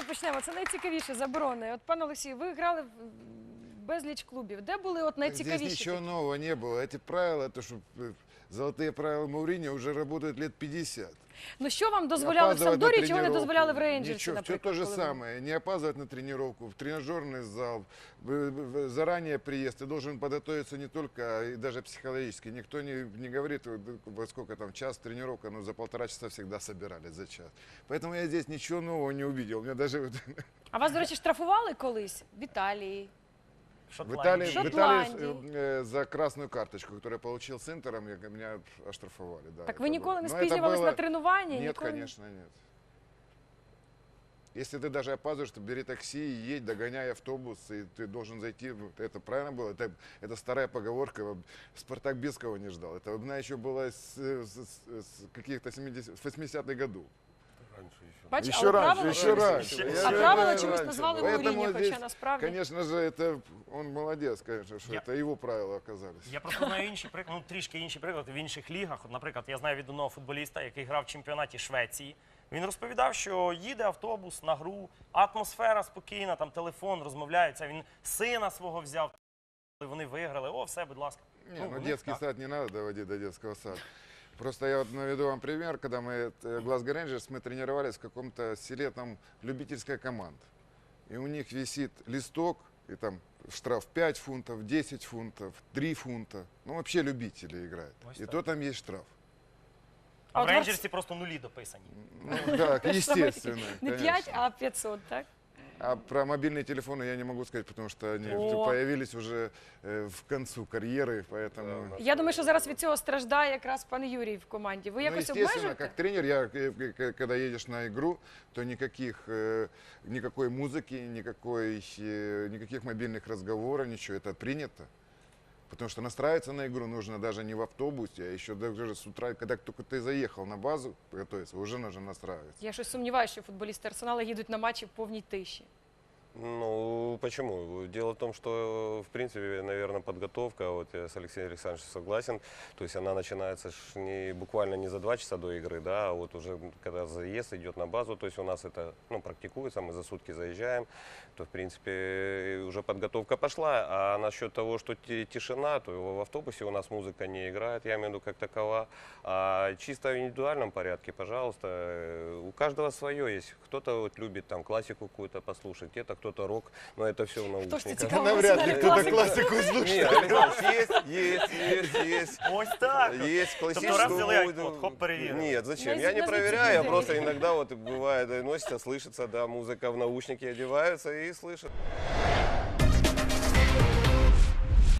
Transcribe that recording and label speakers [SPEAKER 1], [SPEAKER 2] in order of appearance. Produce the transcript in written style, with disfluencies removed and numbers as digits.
[SPEAKER 1] почнемо. Це найцікавіше заборони. От, пане Олексію, ви грали в безліч клубів. Де були от найцікавіші?
[SPEAKER 2] Здесь ничего
[SPEAKER 1] такі?
[SPEAKER 2] нового не было. Эти правила, то, что золотые правила Мауриньо уже работают лет 50.
[SPEAKER 1] Ну що вам дозволяли в
[SPEAKER 2] Опаздывать на
[SPEAKER 1] Самдорі, чого не
[SPEAKER 2] тренировку.
[SPEAKER 1] дозволяли в Рейнджерсі,
[SPEAKER 2] Ничего, все
[SPEAKER 1] наприклад?
[SPEAKER 2] то же
[SPEAKER 1] коли ви-
[SPEAKER 2] самое. Не опаздывать на тренировку, в тренажерный зал. Заранее приезд. Ты должен подготовиться не только, а и даже психологически. Никто не говорит, во сколько там час тренировка, но за 1,5 часа всегда собирались за час. Поэтому я здесь ничего нового не увидел. Мне даже
[SPEAKER 1] А вас, до речі, штрафували колись в Італії?
[SPEAKER 2] в Италии,
[SPEAKER 1] Шотландии.
[SPEAKER 2] за красную карточку, которую я получил с Интером, меня оштрафовали. Да,
[SPEAKER 1] Так
[SPEAKER 2] это
[SPEAKER 1] ви ніколи
[SPEAKER 2] было.
[SPEAKER 1] не
[SPEAKER 2] Но это
[SPEAKER 1] спізнювались
[SPEAKER 2] было-
[SPEAKER 1] на тренування?
[SPEAKER 2] Нет,
[SPEAKER 1] ніколи?
[SPEAKER 2] конечно, нет. Если ты даже опаздываешь, то бери такси и едь, догоняй автобус, и ты должен зайти. Это правильно было? Это старая поговорка. Спартак Бескова не ждал. Это она еще была с каких-то 80-х годов.
[SPEAKER 3] Раньше еще.
[SPEAKER 1] Бачите,
[SPEAKER 2] Еще
[SPEAKER 1] але
[SPEAKER 2] раньше,
[SPEAKER 1] правила
[SPEAKER 2] еще
[SPEAKER 1] чомусь-
[SPEAKER 2] раньше.
[SPEAKER 1] А
[SPEAKER 2] Я
[SPEAKER 1] правила
[SPEAKER 2] говорю,
[SPEAKER 1] чомусь
[SPEAKER 2] раньше
[SPEAKER 1] назвали
[SPEAKER 2] было.
[SPEAKER 1] Мауріньо,
[SPEAKER 2] Поэтому
[SPEAKER 1] хоча
[SPEAKER 2] здесь,
[SPEAKER 1] насправді...
[SPEAKER 2] конечно же, это он молодец, конечно, что это его правила оказались.
[SPEAKER 3] Я просто знаю інші приклади, трішки інші приклади в інших лігах. От, наприклад, я знаю від одного футболіста, який грав в чемпіонаті Швеції. Він розповідав, що їде автобус на гру, атмосфера спокійна, там телефон, розмовляються. Він сина свого взяв, вони виграли. О, все, будь ласка.
[SPEAKER 2] Не, ну
[SPEAKER 3] у них
[SPEAKER 2] детский
[SPEAKER 3] так.
[SPEAKER 2] сад не надо доводить до детского сада. Просто я вот наведу вам пример, когда мы, Glasgow Rangers, мы тренировались в каком-то селе, там любительская команда. И у них висит листок, и там штраф 5 фунтов, 10 фунтов, 3 фунта. Ну, вообще любители играют.
[SPEAKER 3] Ось
[SPEAKER 2] И
[SPEAKER 3] так.
[SPEAKER 2] то там есть штраф.
[SPEAKER 3] А в
[SPEAKER 1] от
[SPEAKER 3] Рейнджерсі просто нулі дописані.
[SPEAKER 2] Ну, так, естественно.
[SPEAKER 1] Не 5,
[SPEAKER 2] конечно.
[SPEAKER 1] а 500, так?
[SPEAKER 2] А про мобильные телефоны я не могу сказать, потому что они
[SPEAKER 1] О.
[SPEAKER 2] появились уже в концу карьеры, поэтому...
[SPEAKER 1] Я думаю, що зараз від цього страждає якраз пан Юрій в команді. Ви
[SPEAKER 2] Ну,
[SPEAKER 1] якось
[SPEAKER 2] естественно,
[SPEAKER 1] обмежуєте?
[SPEAKER 2] как тренер, когда едешь на игру, то никакой музыки, никаких мобильных разговоров, ничего, это принято. Потому что настраиваться на игру нужно даже не в автобусе, а еще даже с утра, когда только ты заехал на базу готовиться, уже нужно настраиваться.
[SPEAKER 1] Я щось сумніваюся, що футболісти Арсенала їдуть на матчі в повній тиші.
[SPEAKER 4] Ну, почему? Дело в том, что, в принципе, наверное, подготовка, вот я с Алексеем Александровичем согласен, то есть она начинается буквально не за 2 часа до игры, да, а вот уже когда заезд идет на базу, то есть у нас это, ну, практикуется, мы за сутки заезжаем, то, в принципе, уже подготовка пошла, а насчет того, что тишина, то в автобусе у нас музыка не играет, я имею в виду как такова, а чисто в индивидуальном порядке, пожалуйста, у каждого свое есть, кто-то вот любит там классику какую-то послушать, где-то кто-то рок, но это все в
[SPEAKER 1] Хто ж це
[SPEAKER 4] наушниках.
[SPEAKER 1] цікаво?
[SPEAKER 2] Навряд ли
[SPEAKER 1] Арсеналі
[SPEAKER 2] кто-то
[SPEAKER 1] класика.
[SPEAKER 2] классику слушает.
[SPEAKER 4] Нет, Александр, есть.
[SPEAKER 3] Ось так.
[SPEAKER 4] Есть
[SPEAKER 3] Тобто раз
[SPEAKER 4] классическую
[SPEAKER 3] взяли
[SPEAKER 4] музыку.
[SPEAKER 3] iPod, хоп, перевірили.
[SPEAKER 4] Нет, зачем?
[SPEAKER 1] Ну,
[SPEAKER 4] Я не
[SPEAKER 1] из-за
[SPEAKER 4] проверяю, я
[SPEAKER 1] людей.
[SPEAKER 4] просто иногда вот бывает, носится, слышится, да, музыка в наушники одеваются и слышат.